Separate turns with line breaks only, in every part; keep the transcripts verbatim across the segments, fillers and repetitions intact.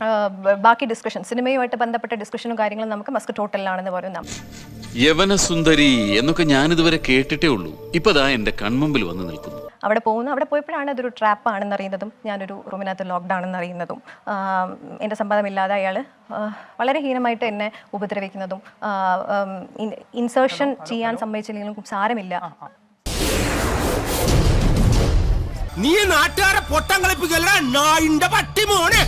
ബാക്കി ഡിസ്കഷൻ സിനിമയുമായിട്ട് ബന്ധപ്പെട്ട ഡിസ്കഷനും കാര്യങ്ങളും നമുക്ക് മസ്കറ്റ് ഹോട്ടലിലാണെന്ന് പറയുന്ന
യവനസുന്ദരി എന്നൊക്കെ ഞാനിതുവരെ കേട്ടിട്ടേ ഉള്ളൂ. ഇപ്പതാ എന്റെ കൺമുമ്പിൽ വന്ന് നിൽക്കുന്നു.
അവിടെ പോകുന്നു. അവിടെ പോയപ്പോഴാണ് അതൊരു ട്രാപ്പ് ആണെന്ന് അറിയുന്നതും ഞാനൊരു റൂമിനകത്ത് ലോക്ക്ഡ് ആണെന്ന് അറിയുന്നതും എൻ്റെ സമ്മതമില്ലാതെ അയാൾ വളരെ ഹീനമായിട്ട് എന്നെ ഉപദ്രവിക്കുന്നതും ഇൻസേർഷൻ ചെയ്യാൻ സമ്മതിച്ചില്ലെങ്കിലും സാരമില്ല.
നീ നാട്ടുകാരെ പൊട്ടം കളിപ്പിക്കല്ല നായിന്റെ പട്ടി മോനെ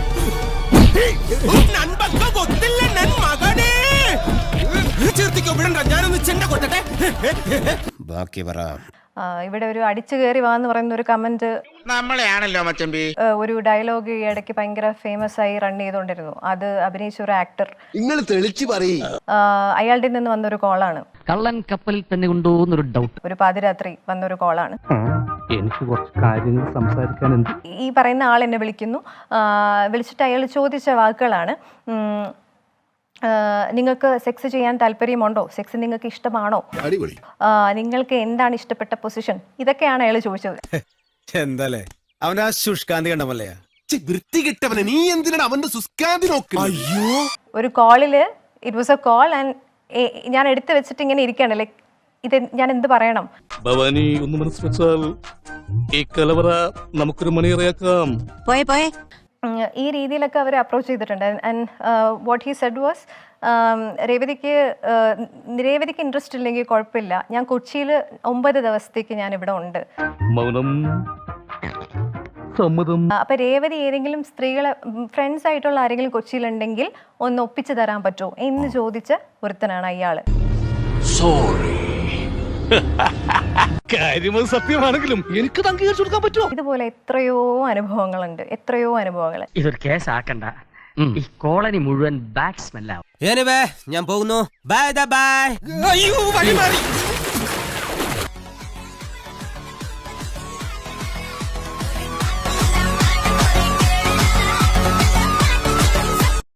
മകനെ ചേർത്തിക്കോ വിടണ്ട ഞാനൊന്ന് ചെണ്ട കൊട്ടട്ടെ ബാക്കി പറ.
ഇവിടെ ഒരു അടിച്ചു കയറി വാന്ന് പറയുന്ന ഒരു കമന്റ്
നമ്മളെയാണല്ലോ മച്ചമ്പി.
ഒരു ഡയലോഗ് ഈ ഇടയ്ക്ക് ഭയങ്കര ഫേമസ് ആയി റൺ ചെയ്തുകൊണ്ടിരുന്നു. അത് അഭിനയിച്ച ഒരു ആക്ടർ
നിങ്ങൾ തെളിച്ചു പറയും
അയാളുടെ നിന്ന് വന്നൊരു കോളാണ്.
കള്ളൻ കപ്പലിൽ തന്നെ കൊണ്ടുപോകുന്നൊരു ഡൗട്ട്.
ഒരു പാതിരാത്രി വന്നൊരു കോളാണ്.
എനിക്ക് കുറച്ച് കാര്യങ്ങൾ സംസാരിക്കാനുണ്ട്.
ഈ പറയുന്ന ആൾ എന്നെ വിളിക്കുന്നു. വിളിച്ചിട്ട് അയാൾ ചോദിച്ച വാക്കുകളാണ്, നിങ്ങൾക്ക് സെക്സ് ചെയ്യാൻ താല്പര്യമുണ്ടോ, സെക്സ് നിങ്ങൾക്ക് ഇഷ്ടമാണോ, നിങ്ങൾക്ക് എന്താണ് ഇഷ്ടപ്പെട്ട പൊസിഷൻ, ഇതൊക്കെയാണ് അയാൾ ചോദിച്ചത്.
എന്താലേ അവന്റെ ആ ശുഷ്കാന്തി കണ്ടമല്ലേ വൃത്തി കിട്ടവനെ നീ എന്തിനാണ് അവന്റെ ശുഷ്കാന്തി നോക്കുന്നത്? അയ്യോ
ഒരു കോളില് it was a call and ഞാൻ എടുത്തു വെച്ചിട്ട് ഇങ്ങനെ ഇരിക്കുകയാണ്. ലൈക്ക് ഇത് ഞാൻ എന്ത് പറയണം?
ഭവാനി ഒന്ന് മനസ്സ് വെച്ചാൽ ഈ കലവറ നമുക്കൊരു മണിയറയാക്കാം.
പോയെ പോയെ ഈ രീതിയിലൊക്കെ അവർ അപ്രോച്ച് ചെയ്തിട്ടുണ്ട്. And what he said was, രേവതിക്ക് രേവതിക്ക് ഇൻട്രസ്റ്റ് ഇല്ലെങ്കിൽ കുഴപ്പമില്ല, ഞാൻ കൊച്ചിയിൽ ഒമ്പത് ദിവസത്തേക്ക് ഞാൻ ഇവിടെ ഉണ്ട്.
മൗനം സമ്മതം.
അപ്പൊ രേവതി ഏതെങ്കിലും സ്ത്രീകളെ ഫ്രണ്ട്സ് ആയിട്ടുള്ള ആരെങ്കിലും കൊച്ചിയിലുണ്ടെങ്കിൽ ഒന്ന് ഒപ്പിച്ചു തരാൻ പറ്റുമോ എന്ന് ചോദിച്ച ഒരുത്തനാണ് അയാള്.
കാര്യമത് സത്യമാണെങ്കിലും എനിക്ക് അംഗീകരിച്ചു കൊടുക്കാൻ പറ്റുമോ?
ഇതുപോലെ എത്രയോ അനുഭവങ്ങളുണ്ട്, എത്രയോ അനുഭവങ്ങൾ.
ഇതൊരു കേസാക്കണ്ട, ഈ കോളനി മുഴുവൻ ബാഡ് സ്മെല്ലാവും.
ഞാൻ പോകുന്നു. Bye bye. അയ്യോ വഴി മാറി.